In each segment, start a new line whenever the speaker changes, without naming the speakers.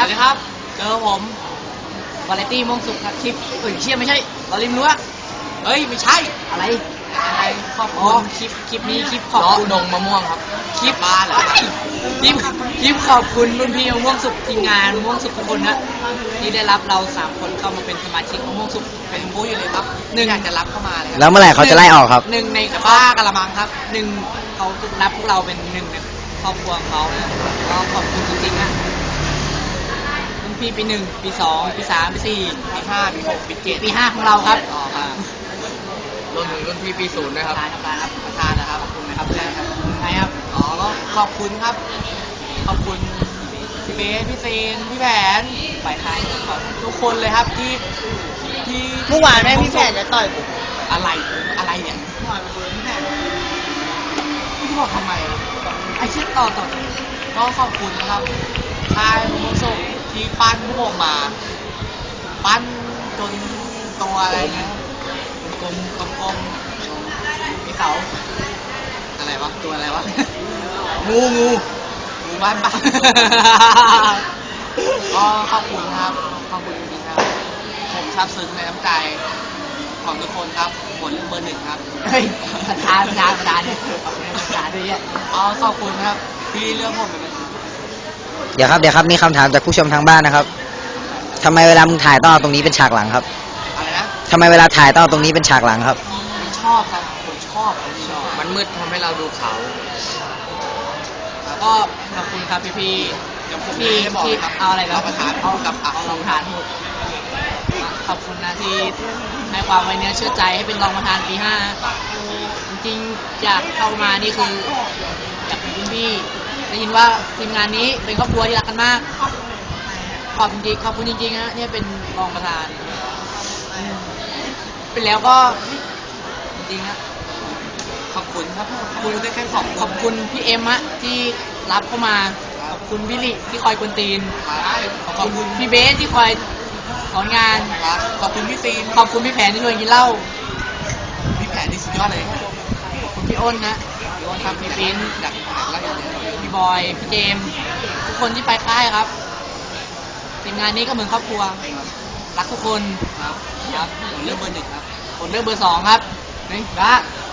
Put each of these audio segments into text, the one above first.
ครับครับเจอผมวาไรตี้ม่วงสุกครับคลิปเชี่ยไม่ใช่เราริมรั้วเฮ้ยไม่ใช่อะไรขอบคุณคลิปนี้คลิปขอบคุณดงมะม่วงครับคลิปบ้าเหรอคลิปขอบคุณรุ่นพี่มะม่วงสุกทีมงานมะม่วงสุกทุกคนนะที่ได้รับเรา3 คนเข้ามาเป็นสมาชิกมะม่วงสุกเป็นบู๊อยู่เลยครับอยากจะรับเข้ามาเลย
แล้วเมื่อไหร่เขาจะไล่ออกครับ
ในบ้ากะละมังครับเขารับพวกเราเป็นหนึ่งในครอบครัวของเขานะก็ขอบคุณจริงๆนะรุ่นพี่ปี 1 ปี 2 ปี 3 ปี 4 ปี 5 ปี 6 ปี 7 ปี 5ของเราครับรวมถึงรุ่นพี่ปี 0ด้วยครับประธานนะครับขอบคุณนะครับใช่ครับก็ขอบคุณครับขอบคุณพี่เบสพี่เซนพี่แผนฝ่ายไทยทุกคนเลยครับที่
เมื่อวานแม่พี่แผนจะต่อยผม
อะไรเนี่ยเมื่อวานพี่แผนพี่บอกทำไมไอ้เช็คต่อก็ขอบคุณนะครับค่ายมงโซที่ปั้นพวกมาปั้นจนตัวอะไรนะกลมมีเสาอะไรวะตัวอะไรวะงูบ้านก็ขอบคุณครับขอบคุณจริงๆครับผมซาบซึ้งในน้ำใจของทุกคนครับผลเบอร์ 1ครับเฮ้ยประธานเนี่ยขอบคุณประธานด้วยเนี่ยขอบคุณครับที่เลือกผมเป็น
เดี๋ยวครับมีคำถามจากผู้ชมทางบ้านนะครับทำไมเวลามึงถ่ายต้องเอาตรงนี้เป็นฉากหลังครับ
อะไรนะ
ทำไมเวลาถ่ายต้องเอาตรงนี้เป็นฉากหลังครับ
ชอบครับผมชอบมันมืดทำให้เราดูเขาแล้วก็ขอบคุณครับพี่ที่เอาอะไรครับเอารองประธานขอบคุณนะที่ให้ความไว้เนื้อเชื่อใจให้เป็นรองประธานปี 5จริงๆอยากเข้ามานี่คืออยากเป็นพี่ได้ยินว่าทีมงานนี้เป็นครอบครัวที่รักกันมากขอบคุณจริงๆนะเนี่ยเป็นรองประธานเป็นแล้วก็จริงๆนะขอบคุณครับคุณได้แค่ขอบคุณพี่เอ็มอะที่รับเข้ามาขอบคุณพี่ลิที่คอยกวนตีนขอบคุณพี่เบสที่คอยสอนงานขอบคุณพี่ซีนขอบคุณพี่แผนที่ชวนกินเหล้าพี่แผนที่สุดยอดเลยขอบคุณพี่อ้นนะพี่อ้นครับพี่ปิ้นพี่บอยพี่เจมทุกคนที่ไปค่ายครับทีมงานนี้ก็เหมือนครอบครัวรักทุกคนครับผมเลือกเบอร์ 1ครับผมเลือกเบอร์ 2ครับนี่ละ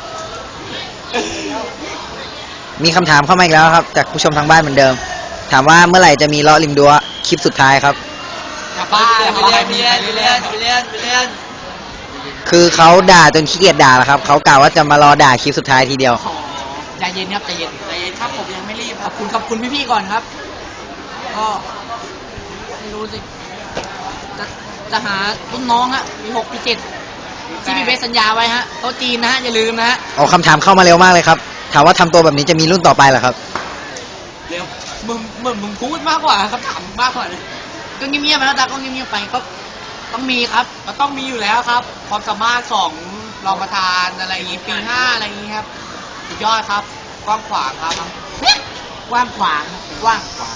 มีคำถามเข้ามาอีกแล้วครับจากผู้ชมทางบ้านเหมือนเดิมถามว่าเมื่อไหร่จะมีเลาะริมรั้วคลิปสุดท้ายครับ
ไปเล่น
คือเขาด่าจนขี้เกียจด่าแล้วครับเขากล่าวว่าจะมารอด่าคลิปสุดท้ายทีเดียว
ใจเย็นครับใจเย็นครับผมยังไม่รีบขอบคุณพี่ๆก่อนครับก็ไม่รู้สิจะหารุ่นน้องฮะปี 6 ปี 7ที่พี่เบสสัญญาไว้ฮะโต๊ะจีนนะฮะอย่าลืมนะฮะ
คำถามเข้ามาเร็วมากเลยครับถามว่าทำตัวแบบนี้จะมีรุ่นต่อไปเหรอครับ
เร็วมึงพูดมากกว่าคำถามมากกว่าเลยก็เงียบๆไปแล้วตาก็เงียบๆไปก็ต้องมีครับก็ต้องมีอยู่แล้วครับความสามารถของรองประธานอะไรอย่างงี้ปี 5อะไรอย่างงี้ครับสุดยอดครับกว้างขวางครับกว้างขวางครับกว้างขวาง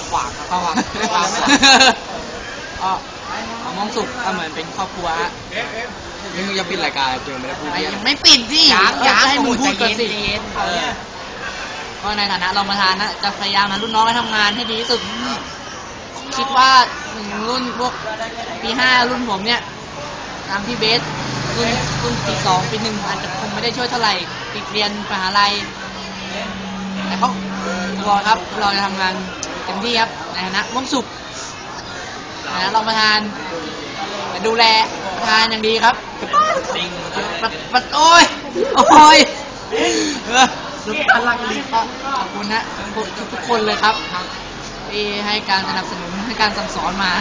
มองสุขก็เหมือนเป็นครอบครัวนี่มึงจะปิดรายการเจอไม่ได้พูดยังไม่ปิดสิอยากให้มึงพูดก่อนสิก็ในฐานะรองประธานนะจะพยายามนะรุ่นน้องให้ทำงานให้ดีที่สุดคิดว่ารุ่นพวกปี 5รุ่นผมเนี่ยตามพี่เบสรุ่นปี 2 ปี 1อาจจะคงไม่ได้ช่วยเท่าไหร่ติดเรียนมหาลัยแต่ก็รอครับเราจะทำงานเต็มที่ครับในฐานะม่วงสุขนะรองประธานดูแลประธานอย่างดีครับโอ้ยสุดพลังดีครับขอบคุณนะทุกคนเลยครับที่ให้การสนับสนุนให้การสั่งสอนมา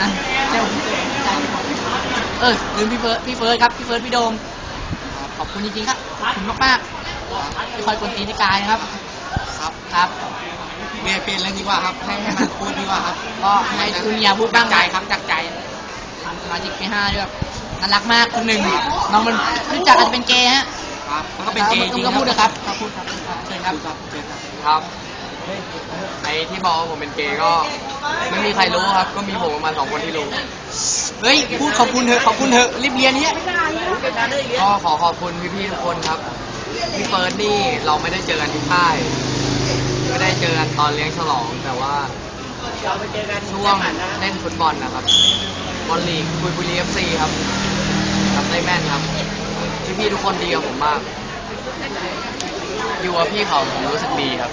ลืมพี่เฟิร์สครับพี่เฟิร์สพี่โดมขอบคุณจริงๆครับขอบคุณมากๆที่คอยกวนตีนที่กายนะครับครับเปลี่ยนเรื่องดีกว่าครับให้มันพูดดีกว่าครับก็ให้คุณอย่าพูดบ้างใจครับจากใจสมาชิกปี 5ด้วยแบบน่ารักมากคนหนึ่งน้องมันรู้จักอาจจะเป็นเกย์ฮะครับแล้วก็เป็นเกย์จริงก็พูดนะครับพูดครับเชิญครับไอ้ที่บอกว่าผมเป็นเกย์ก็ไม่มีใครรู้ครับก็มีผมประมาณ2 คนที่รู้เฮ้ยพูดขอบคุณเถอะรีบเรียนเนี้ยก็ขอขอบคุณพี่ๆทุกคนครับพี่เฟิร์สนี่เราไม่ได้เจอกันที่ค่ายไม่ได้เจอกันตอนเลี้ยงฉลองแต่ว่าช่วงเล่นฟุตบอลนะครับบอลลีกบุรีFC ครับทำได้แม่นครับพี่ๆทุกคนดีกับผมมากอยู่กับพี่เขาผมรู้สึกดีครับ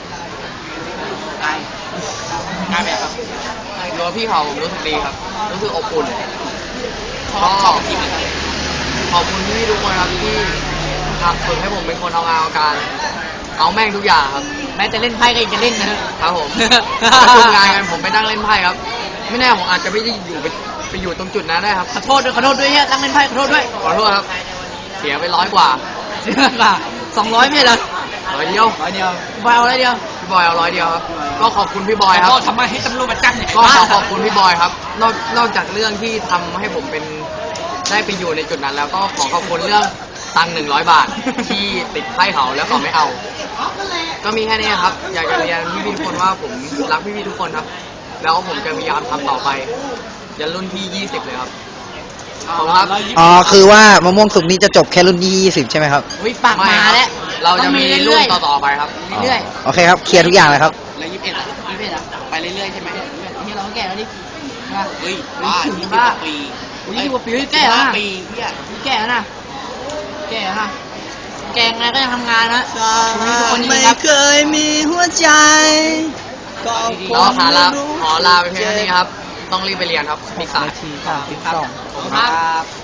ง่ายไหมครับอยู่กับพี่เขาผมรู้สึกดีครับรู้สึกอบอุ่นชอบทีมขอบคุณพี่ๆทุกคนครับที่ฝึกให้ผมเป็นคนเอางานเอาการเอาแม่งทุกอย่างครับแม้จะเล่นไพ่ก็ยังจะเล่นนะครับผมประชุมงานกันผมไปนั่งเล่นไพ่ครับไม่แน่ผมอาจจะไม่ได้อยู่ไปอยู่ตรงจุดนั้นได้ครับขอโทษด้วยเนี่ยนั่งเล่นไพ่ขอโทษด้วยขอโทษครับเสียไป100 กว่า200ไม่เหรอ100 เดียวบอยเอา100 เดียวพี่บอยเอา100 เดียวครับก็ขอบคุณพี่บอยครับก็ทำไมให้ตำรวจมาจับก็ขอบคุณพี่บอยครับนอกจากเรื่องที่ทำให้ผมเป็นได้ไปอยู่ในจุดนั้นแล้วก็ขอบคุณเรื่องตังค์100 บาทที่ติดไพ่เขาแล้วเขาไม่เอา ก็มีแค่นี้ครับ อยากจะเรียนพี่ๆทุกคนว่าผมรักพี่ๆทุกคนครับ แล้วผมจะพยายามทำต่อไปยันรุ่นที่20เลยครับขอบคุณครับ
อ๋อคือว่ามะม่วงสุกนี้จะจบแค่รุ่นที่20ใช่ไหมครับ
วิปากมาแล้วเราจะมีรุ่นต่อๆไปครับเรื่อย
โอเคครับเคลียร์ทุกอย่างเลยครับ
ๆแล้ว21อ่ะไปเรื่อยๆใช่ไหมนี่เราก็แก่แล้วดิเฮ้ยบ้าปี20 กว่าปีแก่แล้วนะแก่แล้วนะแก่แล้วนะแก่ไงก็ยังทำงานนะทุกคนยินดีครับ
เคยมีหัวใจก็
แล้วขอลาไปเพียงเท่านี้ครับ ต้องรีบไปเรียนครับมีสาย
ที32
ขอบคุณครับ